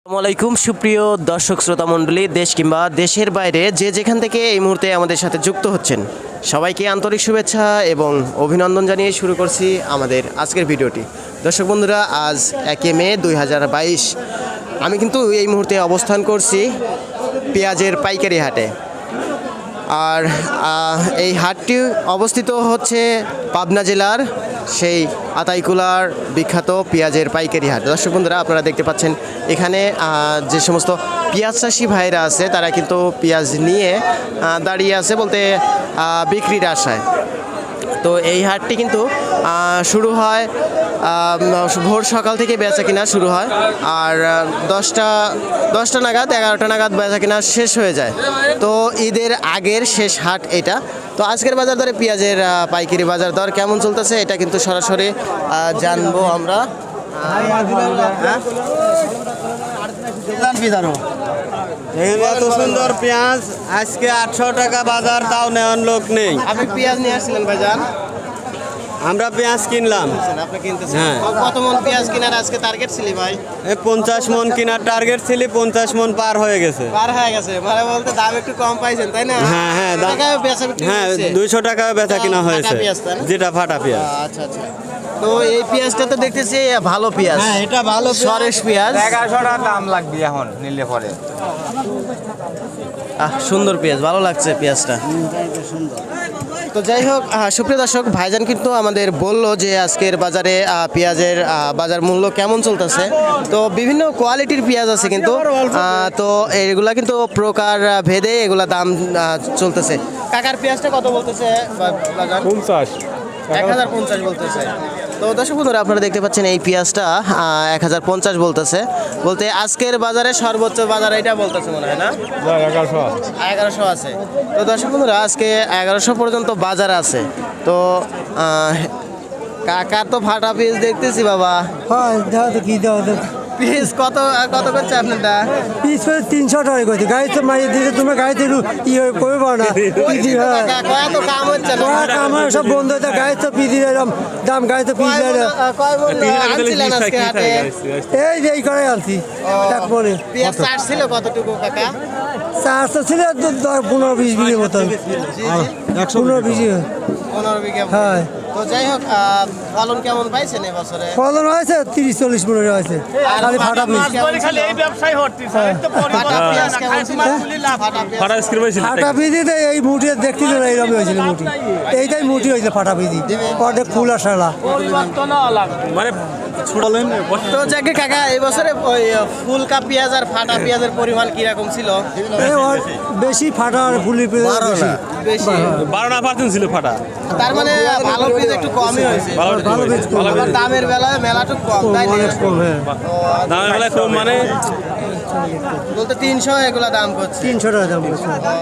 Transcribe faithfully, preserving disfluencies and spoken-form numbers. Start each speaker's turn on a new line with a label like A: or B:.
A: আসসালামাইকুম সুপ্রিয় দর্শক শ্রোতা মণ্ডলী, দেশ কিংবা দেশের বাইরে যে যেখান থেকে এই মুহূর্তে আমাদের সাথে যুক্ত হচ্ছেন সবাইকে আন্তরিক শুভেচ্ছা এবং অভিনন্দন জানিয়ে শুরু করছি আমাদের আজকের ভিডিওটি। দর্শক বন্ধুরা, আজ একে মে দুই হাজার বাইশ আমি কিন্তু এই মুহূর্তে অবস্থান করছি পেঁয়াজের পাইকারি হাটে। আর এই হাটটি অবস্থিত হচ্ছে পাবনা জেলার সেই আতাইকুলার বিখ্যাত পেঁয়াজের পাইকারি হাট। দর্শক বন্ধুরা, আপনারা দেখতে পাচ্ছেন এখানে যে সমস্ত পেঁয়াজ চাষি ভাইরা আছে তারা কিন্তু পেঁয়াজ নিয়ে দাঁড়িয়ে আছে বলতে বিক্রির আশায়। তো এই হাটটি কিন্তু শুরু হয় ভোর সকাল থেকে বেচা কিনা শুরু হয়, আর দশটা দশটা নাগাদ এগারোটা নাগাদ বেচা কিনা শেষ হয়ে যায়। তো ঈদের আগের শেষ হাট এটা। তো আজকের বাজার দরে পেঁয়াজের পাইকারি বাজার দর কেমন চলতেছে এটা কিন্তু সরাসরি জানবো আমরা।
B: এত সুন্দর পেঁয়াজ আজকে আটশো টাকা বাজার, তাও নেওয়ার লোক নেই।
A: আপনি পেঁয়াজ নিয়ে আসছিলেন ভাইজান?
B: আমরা পেঁয়াজ কিনলাম।
A: আপনি কিনতেছেন?
B: হ্যাঁ।
A: কত মন পেঁয়াজ কেনার আজকে টার্গেট ছিলি ভাই?
B: এই পঞ্চাশ মন কেনার টার্গেট ছিল, পঞ্চাশ মন পার হয়ে গেছে।
A: পার হয়ে গেছে মানে বলতে দাম একটু কম পাইছেন তাই না?
B: হ্যাঁ হ্যাঁ দাম-
A: টাকায় বেচা বিক্রি
B: হ্যাঁ
A: হচ্ছে?
B: দুইশো টাকা বেচা কিনা
A: ফাটা
B: হয়েছে,
A: পেঁয়াজ তাই না?
B: যেটা ফাটা পেঁয়াজ।
A: আচ্ছা আচ্ছা। তো এই পেঁয়াজটা তো দেখতেছি ভালো পেঁয়াজ।
B: হ্যাঁ এটা ভালো
A: সরেশ পেঁয়াজ।
C: এগারোশো টাকা দাম লাগবে এখন নিলে পরে।
A: আহ সুন্দর পেঁয়াজ, ভালো লাগছে পেঁয়াজটা। তো যাই হোক, আহ, সুপ্রিয় দর্শক, ভাইজান কিন্তু আমাদের বলল যে আজকের বাজারে আহ, পেঁয়াজের আহ, বাজার মূল্য কেমন চলতেছে। তো বিভিন্ন কোয়ালিটির পেঁয়াজ আছে কিন্তু আহ, তো এগুলা কিন্তু প্রকার আহ, ভেদে এগুলা দাম আহ, চলতেছে। কাকার পেঁয়াজটা কত বলতেছে বাজার?
C: পঞ্চাশ
A: এক হাজার পঞ্চাশ বলতেছে। তো দর্শক বন্ধুরা, আপনারা দেখতে পাচ্ছেন এই পেঁয়াজটা এক হাজার পঞ্চাশ বলতেছে। বলতে আজকের বাজারে সর্বোচ্চ বাজার এটা বলতেছে মনে হয় না?
C: এগারোশো
A: এগারোশো আছে। তো দর্শক বন্ধুরা, আজকে এগারোশো পর্যন্ত বাজার আছে। তো আহ, কাকার তো ফাটা পিস দেখতেছি বাবা।
D: হ্যাঁ দাও তো কি দাও তো
A: পিস কত কত করছে আপনারটা?
D: পিস করে তিনশো টাকা করছে গাড়ি তো মারিয়ে দিতে তোমার গাড়িতে একটু ইয়ে করবো না পিদি হ্যাঁ
A: কাকা, কয় তো কাম হচ্ছে না।
D: কয়েক আমার সব বন্ধ হয়েছে গাড়ি তো পিদি এরকম দাম গাড়ি তো পিস
A: কয় মণ, আহ, কয় মণ আনছিলেন আজকে হাটে?
D: এই যে এই করে আনছি এক মনে
A: পেঁয়াজ চাষ ছিল কতটুকু কাকা?
D: চারশো ছিল দু- দশ পনেরো বিশ বিঘের মতন পনেরো বিশ বিঘে।
A: পনেরো বিঘা।
D: হ্যাঁ
A: তো যাই হোক, আহ, ফলন কেমন পাইছেন এবছরে?
D: ফলন হয়েছে তিরিশ চল্লিশ মনে হয়েছে খালি ফাটা পিস
A: কেমন ছিল? ফাটা পেঁয়াজ কেমন ছিল? ফাটা পেঁয়াজ।
D: ফাটা পিদিতে এই মুঠি দেখছিল না এইরকম হয়েছিল মুঠি, এইটাই মুঠি হয়েছে ফাটা পিদি অর্ধেক ফুল আর সারা।
A: তো যাকে কাকা এবছরে ওই ফুলকা পেঁয়াজ আর ফাটা পেঁয়াজের পরিমাণ কিরকম ছিল?
D: এই ওর বেশি ফাটা আর ফুলি পেঁয়াজ বেশি
A: বেশি।
C: বারোটা পার্সেন্ট ছিল ফাটা।
A: তার মানে ভালো পেঁয়াজ একটু কমই হয়েছে।
D: ভালো বীজ কম
A: আবার দামের বেলায় মেলাটুক কম, তাই না?
D: অনেক কম হ্যাঁ
C: দামের বেলায় কম মানে
A: বলতে তিনশো এগুলা দাম করছে।
D: তিনশো টাকা দাম করছে।